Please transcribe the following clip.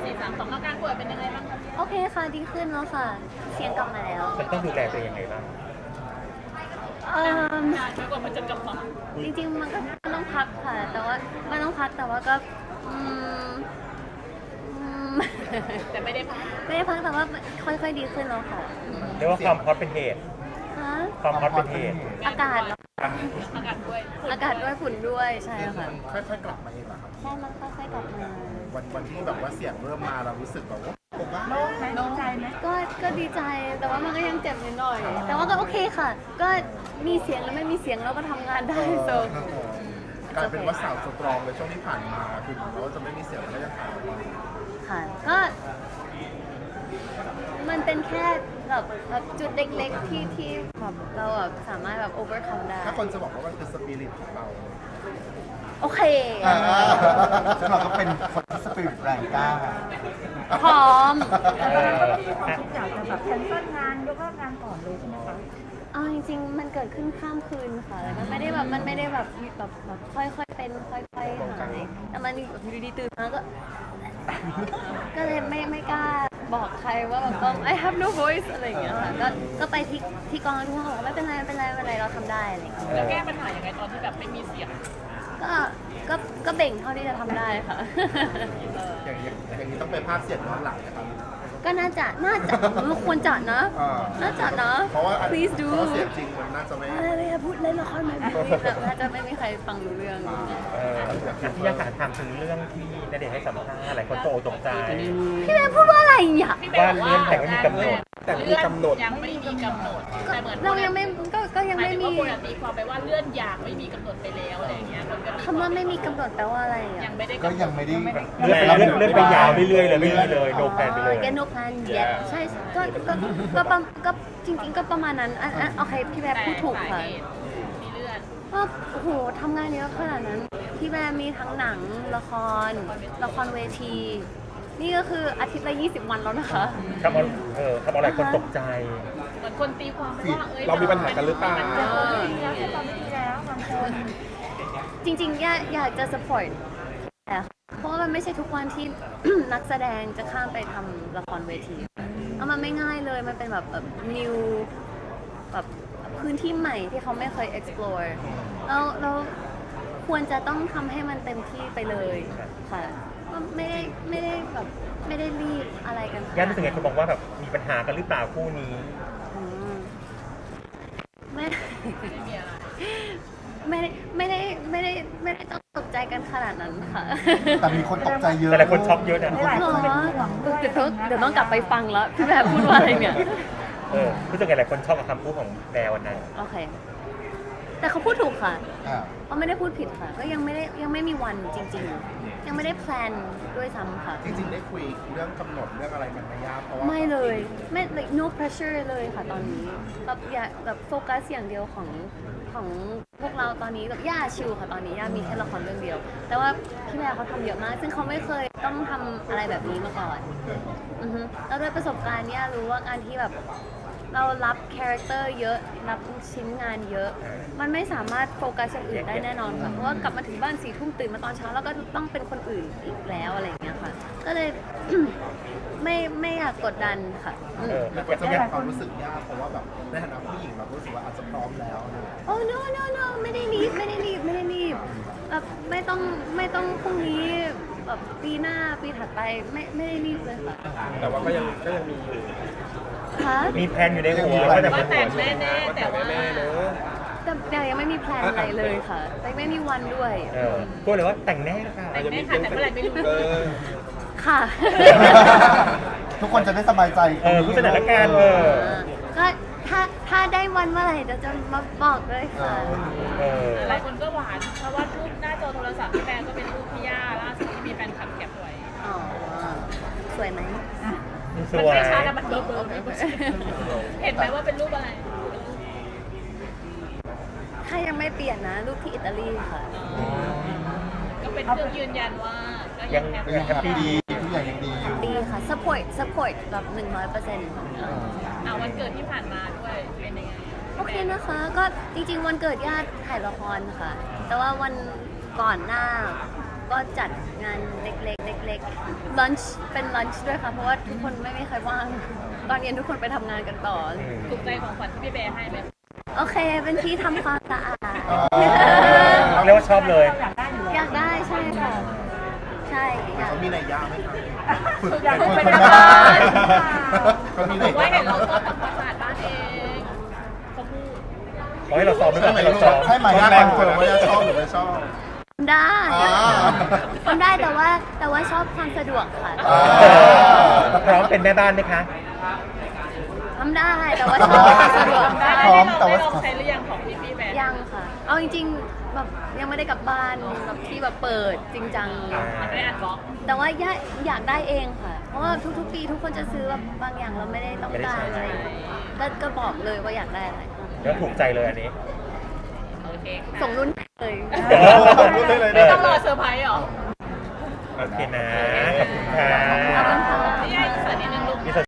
4 3 2อาการป่วยเป็นยังไงบ้างคะโอเคค่ะดีขึ้นแล้วค่ะเสียงกลับมาแล้วมันต้องดูแลตัวเองยังไงบ้างนานกว่ามันจะกลับมาจริงๆมันก็ต้องพักค่ะแต่ว่ามันต้องพักแต่ว่าก็แต่ไม่ได้พักแต่ว่าค่อยๆดีขึ้นแล้วค่ะเรียกว่าความฮอตเป็นเหตุฮะความฮอตเป็นเหตุอากาศเหรออากาศด้วยอากาศด้วยฝุ่นด้วยใช่ค่ะค่อยๆกลับมาเองเหรอครับใช่มันค่อยๆกลับมาวันที่แบบว่าเสียงเริ่มมาเรารู้สึกแบบว่าผมว่าโล่งไหมโล่งใจไหมก็ดีใจแต่ว่ามันก็ยังเจ็บนิดหน่อย แต่ว่าก็โอเคค่ะ ก็มีเสียงแล้วไม่มีเสียงเราก็ทำงานได้โซกลายเป็นว่าสาวสตรองเลยช่วงที่ผ่านมาคือถึงแม้ว่าจะไม่มีเสียงก็ยังหายไปค่ะก็มันเป็นแค่แบบจุดเล็กๆที่แบบเราแบบสามารถแบบ overcome ได้ถ้าคนจะบอกว่ามันคือสปิริตของเราโอเคซึ่งเราก็เป็นคนที่สปิริตแรงกล้าพร้อมแต่ตอนนั้นก็มีความคิดอยากจะแบบแคนเซิลงานยกเลิกงานก่อนเลยใช่ไหมคะเอาจริงๆมันเกิดขึ้นข้ามคืนค่ะแล้วมันไม่ได้แบบค่อยๆเป็นค่อยๆหายแต่มันอยู่ดีๆตื่นมาก็เลยไม่กล้าบอกใครว่าแบบต้อง I have no voice อะไรอย่างเงี้ยค่ะก็ไปที่กองทุกคนบอกว่าไม่เป็นไรเราทำได้อะไรอย่างเงี้ยแล้วแก้ปัญหายังไงตอนที่แบบไม่มีเสียงก็เบ่งเท่าที่จะทำได้ค่ะอย่างนี้ต้องไปภาคเสียงย้อนหลังนะครับก็น่าจะควรจัดนะ น่าจัดนะเพราะว่า please do เพราะเสียงจริงมันน่าจะไม่อะไรพูดเล่นละครแบบนี้น่าจะไม่มีใครฟังรู้เรื่องที่ยากถามถึงเรื่องที่ณเดชน์ให้สัมภาษณ์หลายคนตกตกใจพี่แม่พูดว่าอะไรอ่ะว่าเลื่อนแต่งไม่มีกำหนดแต่ไม่มีกำหนดยังไม่มีกำหนดแต่เหมือนเรายังไม่ก็ยังหมายไม่ถึงมีว่าคนตีความไปว่าเลื่อนอย่างไม่มีกำหนดไปแล้วอะไรอย่างเงี้ยคนก็คำว่าไม่มีกำหนดแปลว่าอะไรอ่ะยังไม่ได้ก็ยังไม่ได้เลื่อนไปยาวเรื่อยๆเลยไม่มีเลยโนแพลนไปเลยแก no plan yet ใช่ก็จริงๆก็ประมาณนั้นโอเคพี่แม่พูดถูกค่ะที่เลื่อนว่าโอ้โหทำงานเยอะขนาดนั้น พี่แม่มีทั้งหนังละครเวที นี่ก็คืออาทิตย์ละ20 วันแล้วนะคะทำเอาหลายคนตกใจเหมือนคนตีความไปว่าเรามีปัญหากันหรือเปล่าจริงๆอยากจะ support แต่เพราะว่ามันไม่ใช่ทุกวันที่ นักแสดงจะข้ามไปทำละครเวทีแล้วมันไม่ง่ายเลยมันเป็นแบบnew แบบพื้นที่ใหม่ที่เขาไม่เคย explore แล้วควรจะต้องทำให้มันเต็มที่ไปเลยค่ะไม่ได้แบบไม่ได้รีบอะไรกันย่ารู้สึกไงคนบอกว่าแบบมีปัญหากันหรือเปล่าคู่นี้อืมไม่ไม่มีอะไรไม่ได้ต้องตกใจกันขนาดนั้นค่ะแต่มีคนตกใจเยอะแต่หลายคนช็อกเยอะนะเดี๋ยวต้องกลับไปฟังแล้วพี่แบบพูดว่าอะไรเนี่ยรู้สึกไงหลายคนชอบกับคำพูดของแนววันนั้นโอเค แต่เขาพูดถูกค่ะอ่าเขาไม่ได้พูดผิดค่ะ ก็ยังไม่มีวันจริงๆ ยังไม่ได้แพลนด้วยซ้ำค่ะจริงๆได้คุยเรื่องกำหนดเรื่องอะไรกันไหมย่าเพราะว่าไม่เลยไม่ like no pressure เลยค่ะตอนนี้แบบอยากแบบโฟกัสอย่างเดียวของพวกเราตอนนี้แบบย่าชิลค่ะตอนนี้ย่ามีแค่ละครเรื่องเดียว แต่ว่าพี่แม่เขาทำเยอะมาก ซึ่งเขาไม่เคยต้องทำอะไรแบบนี้มาก่อนแล้วด้วยประสบการณ์เนี่ยรู้ว่าการที่แบบเรารับคาแรคเตอร์เยอะรับชิ้นงานเยอะ มันไม่สามารถโฟกัสอย่างอื่นได้แน่นอนค่ะเพราะว่ากลับมาถึงบ้าน4 ทุ่มตื่นมาตอนเช้าแล้วก็ต้องเป็นคนอื่นอีกแล้วอะไรอย่างเงี้ยค่ะ ก็เลย ไม่อยากกดดันค่ะมันก็จะมีความรู้สึกยากเพราะว่าแบบในฐานะผู้หญิงเราก็รู้สึกว่าอาจจะพร้อมแล้วนะโอ้ no ไม่ได้รีบแบบไม่ต้องพรุ่งนี้แบบปีหน้าปีถัดไปไม่ได้รีบเลยค่ะแต่ว่าก็ยังมีคะมีแพลนอยู่ในหัวว่าจะว่าเป็นแต่งแน่ๆแต่ว่าแต่ยังไม่มีแพลนอะไรเลยค่ะแต่ไม่มีวันด้วยพูดเลยว่าแต่งแน่ค่ะแต่งแน่ค่ะแต่เมื่อไหร่ไม่รู้ค่ะทุกคนจะได้สบายใจผู้สถานการณ์ก็ถ้าได้วันเมื่อไหร่จะมาบอกเลยค่ะหลายคนก็หวานเพราะว่ารูปหน้าจอโทรศัพท์พี่แบงก็เป็นรูปพี่ย่าล่าสุดที่มีแฟนคลับแคปไว้อ๋อสวยไหมสมันวยไม่ชัดแล้วมันเบลอเห็นไหมว่าเป็นรูปอะไรถ้ายังไม่เปลี่ยนนะรูปที่อิตาลีค่ะก็เป็นเครื่องยืนยันว่าก็ยังแฮปก็ยังแฮปปี้ดีทุกอย่างยังดีอยู่ดีค่ะ support แบบ100% วันเกิดที่ผ่านมาด้วยเป็นยังไงโอเคนะคะ ก็จริงๆวันเกิดญาติถ่ายละครค่ะ แต่ว่าวันก่อนหน้าก็จัดงานเล็กล็กๆลันช์เป็นลันช์ด้วยค่ะ เพราะว่าทุกคนไม่มีใครว่าง ตอนเย็นทุกคนไปทำงานกันต่อถูกใจของขวัญที่พี่แบร์ให้ไหมโอเค เป็นที่ทำความสะอาดเรียกว่าชอบเลยอยากได้ใช่ค่ะ ใช่อยากเขามีนัยยะไหมครับฝึกอยากเป็นเป็นคนแม่บ้าบ้านเขามีบนัอย กว่าเห็ยะนเราชอบทำความสะอาดบ้านเองเขาพูดขอให้เราซ้อมด้วยใช่กันไหมให้เราซ้อมใช่ไหมยะแรงเฟิร์มว่าจะชอบหรือไม่ชอบได้อ่าทำได้แต่ว่าชอบความสะดวกค่ะอ่าพร้อมเป็นแม่บ้านไหมคะทำได้แต่ว่าชอบความสะดวกได้พร้อมได้แต่ว่าลองใช้หรือยังของพี่แบร์ยังค่ะ เอาจริงๆแบบยังไม่ได้กลับบ้านแบบที่แบบเปิดจริงจังมันไม่ได้อัดบล็อกแต่ว่าอยากได้เองค่ะ เพราะว่าทุกๆปีทุกคนจะซื้อแบบบางอย่างเราไม่ได้ต้องการอะไรก็บอกเลยว่าอยากได้อะไรแล้วถูกใจเลยอันนี้โอเคค่ะส่งรุ่นเลยรู้ได้เลยไม่ต้องรอเซอร์ไพรส์หรอโอเคนะ ขอบคุณค่ะ